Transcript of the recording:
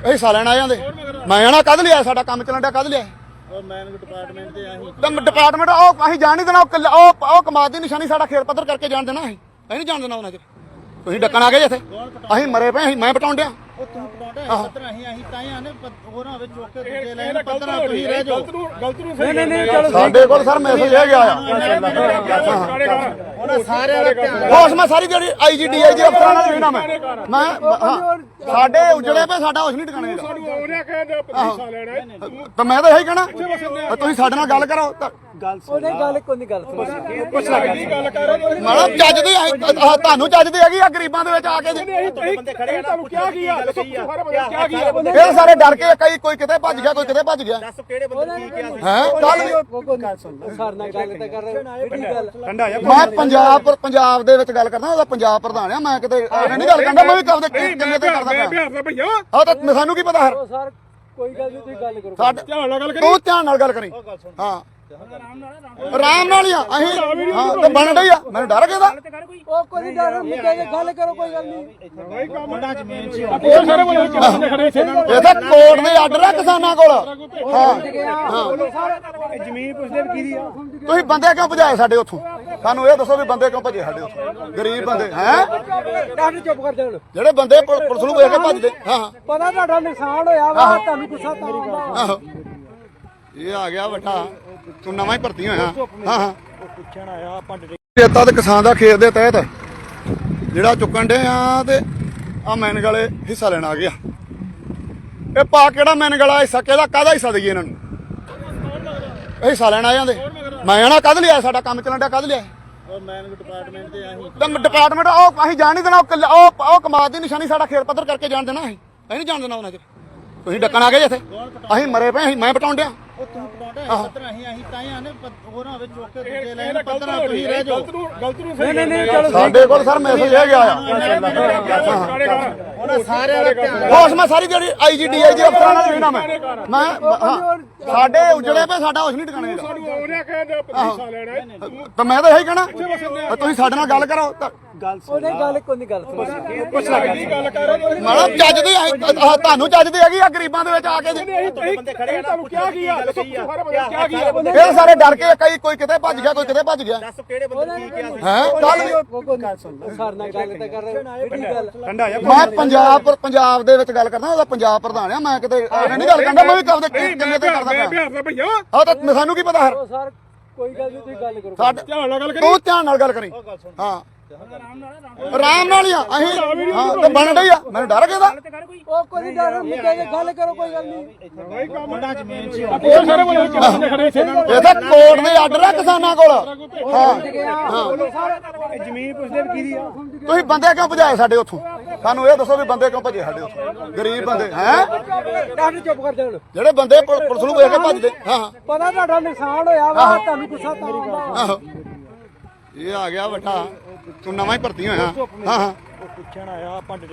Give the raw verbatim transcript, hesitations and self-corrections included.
ਹਿੱਸਾ ਲੈਣ ਆ ਜਾਂਦੇ। ਮੈਂ ਆਣਾ ਕਦ ਲਿਆ, ਸਾਡਾ ਕੰਮ ਚੱਲਣ ਡਿਆ ਕਦ ਲਿਆ ਡਿਪਾਰਟਮੈਂਟ ਤੇ ਆਹੀ ਡਿਪਾਰਟਮੈਂਟ ਉਹ ਅਸੀਂ ਜਾਣ ਨਹੀਂ ਦੇਣਾ। ਉਹ ਉਹ ਕਮਾਦ ਦੀ ਨਿਸ਼ਾਨੀ ਸਾਡਾ ਖੇਤ ਪੱਧਰ ਕਰਕੇ ਜਾਣ ਦੇਣਾ। ਅਸੀਂ ਅਸੀਂ ਨਹੀਂ ਜਾਣ ਦੇਣਾ ਉਹਨਾਂ ਚ। ਤੁਸੀਂ ਡੱਕਣ ਆ ਗਏ ਜਿੱਥੇ ਅਸੀਂ ਮਰੇ ਪਏ। ਅਸੀਂ ਮੈਂ ਪਟਾਉਣ ਡਿਆ ਉਹ ਤੂੰ ਪਟਾਉਂਦਾ ਪੱਧਰ ਅਸੀਂ ਅਸੀਂ ਤਾਂ ਹੀ ਆਨੇ ਹੋਰ ਹੋਵੇ ਚੁੱਕ ਕੇ ਦੂਜੇ ਲੈਣ ਪੱਧਰ ਤੁਸੀਂ ਰਹਿ ਜਾਓ। ਗਲਤ ਨੂੰ ਨਹੀਂ ਨਹੀਂ ਨਹੀਂ ਚਲੋ ਸਾਡੇ ਕੋਲ ਸਰ ਮੈਸੇਜ ਇਹ ਗਿਆ ਆ ਉਹਨਾਂ ਸਾਰਿਆਂ ਦਾ ਧਿਆਨ ਹੋਸ਼ ਮੈਂ ਸਾਰੀ ਜਿਹੜੀ ਆਈ ਜੀ ਡੀ ਆਈ ਜੀ ਅਫਸਰਾਂ ਨਾਲ ਵੇਖਣਾ ਮੈਂ ਮੈਂ ਹਾਂ ਸਾਡੇ ਉਜੜੇ ਪਏ ਸਾਡਾ ਹੋਸ਼ ਨਹੀਂ ਟਿਕਾਣੇ ਦਾ। ਤਾਂ ਮੈਂ ਤਾਂ ਇਹੀ ਕਹਿਣਾ ਤੁਸੀਂ ਸਾਡੇ ਨਾਲ ਗੱਲ ਕਰੋ। ਉਹਨੇ ਗੱਲ ਕੋਈ ਨਹੀਂ ਗੱਲ ਮੈਡਮ ਚੱਜਦੀ ਤੁਹਾਨੂੰ ਚੱਜਦੀ ਹੈਗੀ ਆ ਗਰੀਬਾਂ ਦੇ ਵਿੱਚ ਆ ਕੇ ਇਹ ਸਾਰੇ ਡਰ ਕੇ ਕਈ ਕੋਈ ਕਿਤੇ ਭੱਜ ਗਿਆ ਕੋਈ ਕਿਤੇ ਭੱਜ ਗਿਆ ਹੈ ਮੈਂ ਪੰਜਾਬ ਪੰਜਾਬ ਦੇ ਵਿੱਚ ਗੱਲ ਕਰਦਾ। ਉਹਦਾ ਪੰਜਾਬ ਪ੍ਰਧਾਨ ਆ। ਮੈਂ ਕਿਤੇ ਨਹੀਂ ਗੱਲ ਕਰਦਾ। ਮੈਂ ਵੀ ਕਦੇ ਕਿੰਨੇ ਤੇ ਕਰਦਾ ਹਾਂ ਤਾਂ ਸਾਨੂੰ ਕੀ ਪਤਾ ਸਰ ਕੋਈ ਗੱਲ ਨਹੀਂ ਤੁਸੀਂ ਗੱਲ ਕਰੋ। ਸਾਡੇ ਤੂੰ ਧਿਆਨ ਨਾਲ ਗੱਲ ਕਰੀ। ਹਾਂ ਆਰਾਮ ਨਾਲ ਹੀ ਆ ਅਸੀਂ। ਹਾਂ ਤੇ ਬਣ ਡਈ ਆ। ਮੈਨੂੰ ਡਰ ਗਿਆ ਉਹ ਕੋਈ ਨਹੀਂ ਡਰ ਮੁੱਕੇ ਦੀ ਗੱਲ ਕਰੋ ਕੋਈ ਗੱਲ ਨਹੀਂ। ਇਹ ਤਾਂ ਕੋਰਟ ਦੇ ਆਰਡਰ ਆ ਕਿਸਾਨਾਂ ਕੋਲ। ਹਾਂ ਜ਼ਮੀਨ ਪੁੱਛਦੇ ਵੀ ਕਿਹਦੀ ਆ। ਤੁਸੀਂ ਬੰਦੇ ਕਿਉਂ ਭਜਾਏ ਸਾਡੇ ਉੱਥੋਂ? ਸਾਨੂੰ ਇਹ ਦੱਸੋ ਵੀ ਬੰਦੇ ਕਿਉਂ ਭਜੇ ਸਾਡੇ ਉੱਥੋਂ? ਗਰੀਬ ਬੰਦੇ ਹੈ ਚੁੱਪ ਕਰ ਜਾਣ ਜਿਹੜੇ ਬੰਦੇ ਪੁਲਿਸ ਨੂੰ ਵੇਖ ਕੇ ਭੱਜਦੇ। ਹਾਂ ਪਤਾ ਤੁਹਾਡਾ ਨੁਕਸਾਨ ਹੋਇਆ ਵਾ ਤੁਹਾਨੂੰ ਗੁੱਸਾ ਤਾਂ ਆਉਂਦਾ। ਆਹੋ ਇਹ ਆ ਗਿਆ ਵੱਡਾ ਤੂੰ ਨਵਾਂ ਹੀ ਭਰਤੀ ਹੋਇਆ। ਹਾਂ ਹਾਂ ਪੁੱਛਣ ਆਇਆ ਆਪਾਂ ਖੇਤਾਂ ਤੇ ਕਿਸਾਨ ਦਾ ਖੇਤ ਦੇ ਤਹਿਤ ਜਿਹੜਾ ਚੁੱਕਣ ਡੇ ਆ ਤੇ ਆ ਮੈਨਗ ਵਾਲੇ ਹਿੱਸਾ ਲੈਣ ਆ ਗਿਆ। ਇਹ ਪਾ ਕਿਹੜਾ ਮੈਨਗ ਵਾਲਾ ਹਿੱਸਾ ਕਿਹਦਾ ਕਾਹਦਾ ਹਿੱਸਾ ਦਈਏ ਇਹਨਾਂ ਨੂੰ? ਹਿੱਸਾ ਲੈਣ ਆ ਜਾਂਦੇ। ਮੈਂ ਆਣਾ ਕਦ ਲਿਆ, ਸਾਡਾ ਕੰਮ ਚੱਲਣ ਡਿਆ ਕਦ ਲਿਆ ਡਿਪਾਰਟਮੈਂਟ ਤੇ ਆਹੀ ਡਿਪਾਰਟਮੈਂਟ ਉਹ ਅਸੀਂ ਜਾਣ ਨਹੀਂ ਦੇਣਾ। ਉਹ ਉਹ ਕਮਾਦ ਦੀ ਨਿਸ਼ਾਨੀ ਸਾਡਾ ਖੇਤ ਪੱਧਰ ਕਰਕੇ ਜਾਣ ਦੇਣਾ। ਅਸੀਂ ਅਸੀਂ ਨਹੀਂ ਜਾਣ ਦੇਣਾ ਉਹਨਾਂ ਚ। ਤੁਸੀਂ ਡੱਕਣ ਆ ਗਏ ਜਿੱਥੇ ਅਸੀਂ ਮਰੇ ਪਏ। ਅਸੀਂ ਮੈਂ ਪਟਾਉਣ ਡਿਆ ਉਹ ਤੂੰ ਪਟਾਉਂਦਾ ਪੱਧਰ ਅਸੀਂ ਅਸੀਂ ਤਾਂ ਹੀ ਆਨੇ ਹੋਰ ਹੋਵੇ ਚੁੱਕ ਕੇ ਦੂਜੇ ਲੈਣ ਪੱਧਰ ਤੁਸੀਂ ਰਹਿ ਜਾਓ। ਗਲਤ ਨੂੰ ਨਹੀਂ ਨਹੀਂ ਚਲੋ ਸਾਡੇ ਕੋਲ ਸਰ ਮੈਸੇਜ ਇਹ ਗਿਆ ਆ ਉਹਨਾਂ ਸਾਰਿਆਂ ਦਾ ਧਿਆਨ ਹੋਸ਼ ਮੈਂ ਸਾਰੀ ਜਿਹੜੀ ਆਈ ਜੀ ਡੀ ਆਈ ਜੀ ਅਫਸਰਾਂ ਨਾਲ ਵੇਖਣਾ ਮੈਂ ਮੈਂ ਹਾਂ ਸਾਡੇ ਉਜੜੇ ਪਏ ਸਾਡਾ ਹੋਸ਼ ਨਹੀਂ ਟਿਕਾਣੇ ਦਾ। ਤਾਂ ਮੈਂ ਤਾਂ ਇਹੀ ਕਹਿਣਾ ਤੁਸੀਂ ਸਾਡੇ ਨਾਲ ਗੱਲ ਕਰੋ। ਉਹਨੇ ਗੱਲ ਕੋਈ ਨਹੀਂ ਗੱਲ ਮੈਡਮ ਚੱਜਦੀ ਤੁਹਾਨੂੰ ਚੱਜਦੀ ਹੈਗੀ ਆ ਗਰੀਬਾਂ ਦੇ ਵਿੱਚ ਆ ਕੇ ਇਹ ਸਾਰੇ ਡਰ ਕੇ ਕਈ ਕੋਈ ਕਿਤੇ ਭੱਜ ਗਿਆ ਕੋਈ ਕਿਤੇ ਭੱਜ ਗਿਆ ਹੈ ਸਰ ਨਾਲ ਗੱਲ ਤਾਂ ਕਰ ਰਹੇ। ਮੈਂ ਪੰਜਾਬ ਪੰਜਾਬ ਦੇ ਵਿੱਚ ਗੱਲ ਕਰਦਾ। ਉਹਦਾ ਪੰਜਾਬ ਪ੍ਰਧਾਨ ਆ। ਮੈਂ ਕਿਤੇ ਨਹੀਂ ਗੱਲ ਕਰਦਾ। ਮੈਂ ਵੀ ਕਦੇ ਕਿੰਨੇ ਤੇ ਕਰਦਾ ਹਾਂ ਤਾਂ ਸਾਨੂੰ ਕੀ ਪਤਾ ਸਰ ਕੋਈ ਗੱਲ ਨਹੀਂ ਤੁਸੀਂ ਗੱਲ ਕਰੋ। ਸਾਡੇ ਤੂੰ ਧਿਆਨ ਨਾਲ ਗੱਲ ਕਰੀ। ਹਾਂ ਆਰਾਮ ਨਾਲ ਹੀ ਆ ਅਸੀਂ। ਹਾਂ ਤੇ ਬਣ ਡਈ ਆ। ਮੈਨੂੰ ਡਰ ਗਿਆ ਉਹ ਕੋਈ ਨਹੀਂ ਡਰ ਮੁੱਕੇ ਦੀ ਗੱਲ ਕਰੋ ਕੋਈ ਗੱਲ ਨਹੀਂ। ਇਹ ਤਾਂ ਕੋਰਟ ਦੇ ਆਰਡਰ ਆ ਕਿਸਾਨਾਂ ਕੋਲ। ਹਾਂ ਜ਼ਮੀਨ ਪੁੱਛਦੇ ਵੀ ਕਿਹਦੀ ਆ। ਤੁਸੀਂ ਬੰਦੇ ਕਿਉਂ ਭਜਾਏ ਸਾਡੇ ਉੱਥੋਂ? ਸਾਨੂੰ ਇਹ ਦੱਸੋ ਵੀ ਬੰਦੇ ਕਿਉਂ ਭਜੇ ਸਾਡੇ ਉੱਥੋਂ? ਗਰੀਬ ਬੰਦੇ ਹੈ ਚੁੱਪ ਕਰ ਜਾਣ ਜਿਹੜੇ ਬੰਦੇ ਪੁਲਿਸ ਨੂੰ ਵੇਖ ਕੇ ਭੱਜਦੇ। ਹਾਂ ਪਤਾ ਤੁਹਾਡਾ ਨੁਕਸਾਨ ਹੋਇਆ ਵਾ ਤੁਹਾਨੂੰ ਗੁੱਸਾ ਤਾਂ ਆਉਂਦਾ। ਆਹੋ ਇਹ ਆ ਗਿਆ ਵੱਡਾ ਤੂੰ ਨਵਾਂ ਹੀ ਭਰਤੀ ਹੋਇਆ। ਹਾਂ ਹਾਂ ਪੁੱਛਣ ਆਇਆ ਆਪਾਂ